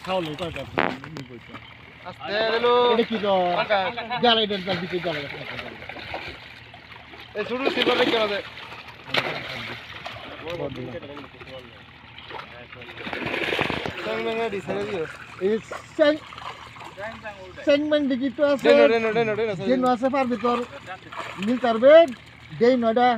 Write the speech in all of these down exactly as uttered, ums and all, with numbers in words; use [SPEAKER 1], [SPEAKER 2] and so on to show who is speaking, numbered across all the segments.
[SPEAKER 1] খাওয়ালো কয়টা
[SPEAKER 2] আস্তে হলো
[SPEAKER 1] এটা কি জ্বালাই দেন তার দিকে জ্বালাই
[SPEAKER 2] এই শুরু সিলভার রেখে বাজে Sengmeng di sana dia.
[SPEAKER 1] এই সেং সেংমেন দিকে তো আছে
[SPEAKER 2] Deno deno deno deno.
[SPEAKER 1] দেন আছে পার ভিতর মিল পারবে দেই নয়টা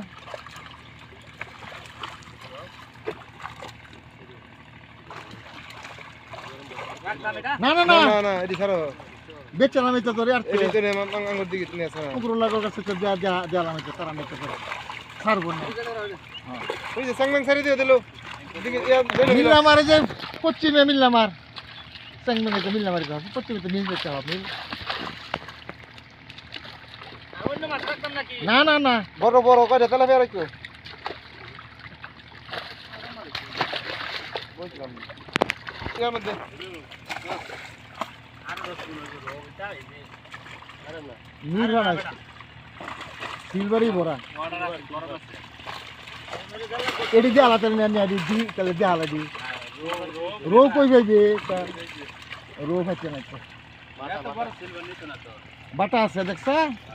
[SPEAKER 1] না না না
[SPEAKER 2] Na na di sana.
[SPEAKER 1] বেচালাম এটা ধরে আর
[SPEAKER 2] Ini tu ni mang anggur dikit ni sana.
[SPEAKER 1] কুকুর লাগার কাছে তো দেয়া দেয়া দেয়ালাম এটা তারা মেতে করে ছাড়বো না
[SPEAKER 2] Ini je sengmeng sari dia dulu. Dikit ya deno
[SPEAKER 1] মিল
[SPEAKER 2] bila.
[SPEAKER 1] আমার এই যে পশ্চিমে মিল আমার সেংমেন এটা মিল আমার কাছে পশ্চিমে তো মিল বেচা হবে না না না
[SPEAKER 2] Boro boro kau dah telah biar aku. Bukan. Ya mende.
[SPEAKER 1] মিল না সিলভারই ভরা এটি দিয়ে আলাদা নিয়ে আদি দি তাহলে দিয়ে আলাদা দি রো কই যাইবে রো খাচ্ছে না তো বাটা আছে দেখছা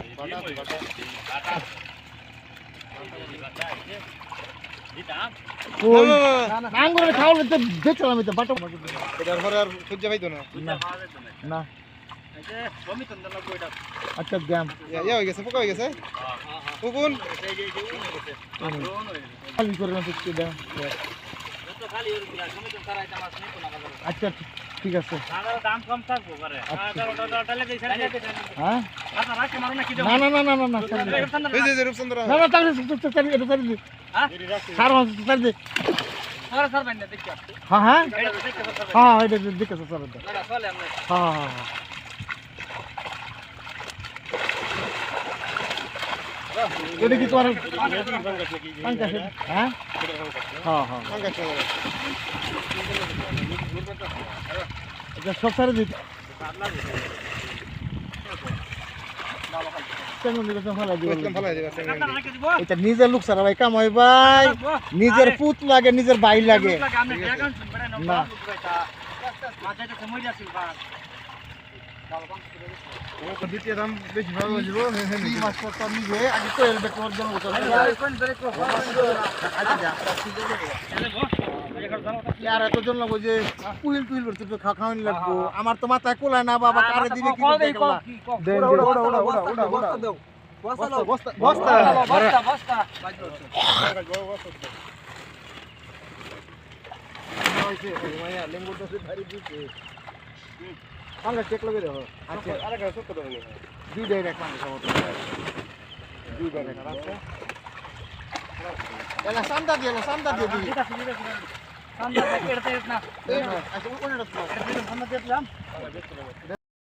[SPEAKER 1] কই আঙ্গুরে খাওয়ালে তো বেচলাম তো বাটা
[SPEAKER 2] Kedar horar sujud itu na.
[SPEAKER 1] না না আচ্ছা গ্যাম
[SPEAKER 2] Ya ya gese pokok gese. Pukun.
[SPEAKER 1] খালি করে না তো দাও আচ্ছা ঠিক আছে
[SPEAKER 3] দাম কম থাকবো করে
[SPEAKER 1] হ্যাঁ
[SPEAKER 3] আপনারা রাখতে মারো না কি
[SPEAKER 1] না না না না না না
[SPEAKER 2] Ini je rup sandra.
[SPEAKER 1] না না তাহলে চারি এটা চারি দি
[SPEAKER 3] হ্যাঁ
[SPEAKER 1] সার মাস চারি দি
[SPEAKER 3] সারা সার বাইন্দা দেখি
[SPEAKER 1] হ্যাঁ হ্যাঁ
[SPEAKER 3] এটা দেখতে পারবে
[SPEAKER 1] হ্যাঁ এটা দেখে স্যার
[SPEAKER 3] না না চলে আমরা
[SPEAKER 1] হ্যাঁ হ্যাঁ হ্যাঁ এটা কি তোমার পাঙ্কাশ হ্যাঁ হ্যাঁ হ্যাঁ
[SPEAKER 2] Angkat sana.
[SPEAKER 1] এটা সব সারে দিই
[SPEAKER 2] Bukan pala dia sengmeng.
[SPEAKER 3] আপনারা রেখে দিব
[SPEAKER 1] এটা নিজের লোক সারা ভাই কামাই ভাই নিজের পুত লাগে নিজের ভাই লাগে
[SPEAKER 3] আমি অ্যাকাউন্ট বেড়ে নাও
[SPEAKER 1] না।
[SPEAKER 3] মাঝে তো সময় যাচ্ছে ভাই
[SPEAKER 2] Dia dalam besi baru je bro.
[SPEAKER 1] কি মাছ করতে নিজে আগে তো এলবে তোর জন্য তো
[SPEAKER 3] কোন ধরে কো
[SPEAKER 1] আর এত জন লাগো যে কুইল টুইল করতে তো খাওয়ানি লাগবো আমার তো মাথায় কোলায় না বাবা কারে দিবে কি দেখলা
[SPEAKER 2] Udah udah udah udah udah udah udah. Bosta bosta bosta.
[SPEAKER 3] বস্তা বস্তা
[SPEAKER 2] Lumayan lembu tu dari buku. Angkat cek lagi dah. Acha. Ada kan sok dah ni.
[SPEAKER 1] দুই ডাইরেক্ট মানে সব
[SPEAKER 2] Dua dah rasa.
[SPEAKER 1] এলা সান্দা দিয়ে এলা সান্দা দিয়ে দিই
[SPEAKER 3] এটা সুবিধা ছিল সামনে থেকে এড়তে না
[SPEAKER 1] আচ্ছা ওখানে রাখো
[SPEAKER 3] এটা সামনে দিলাম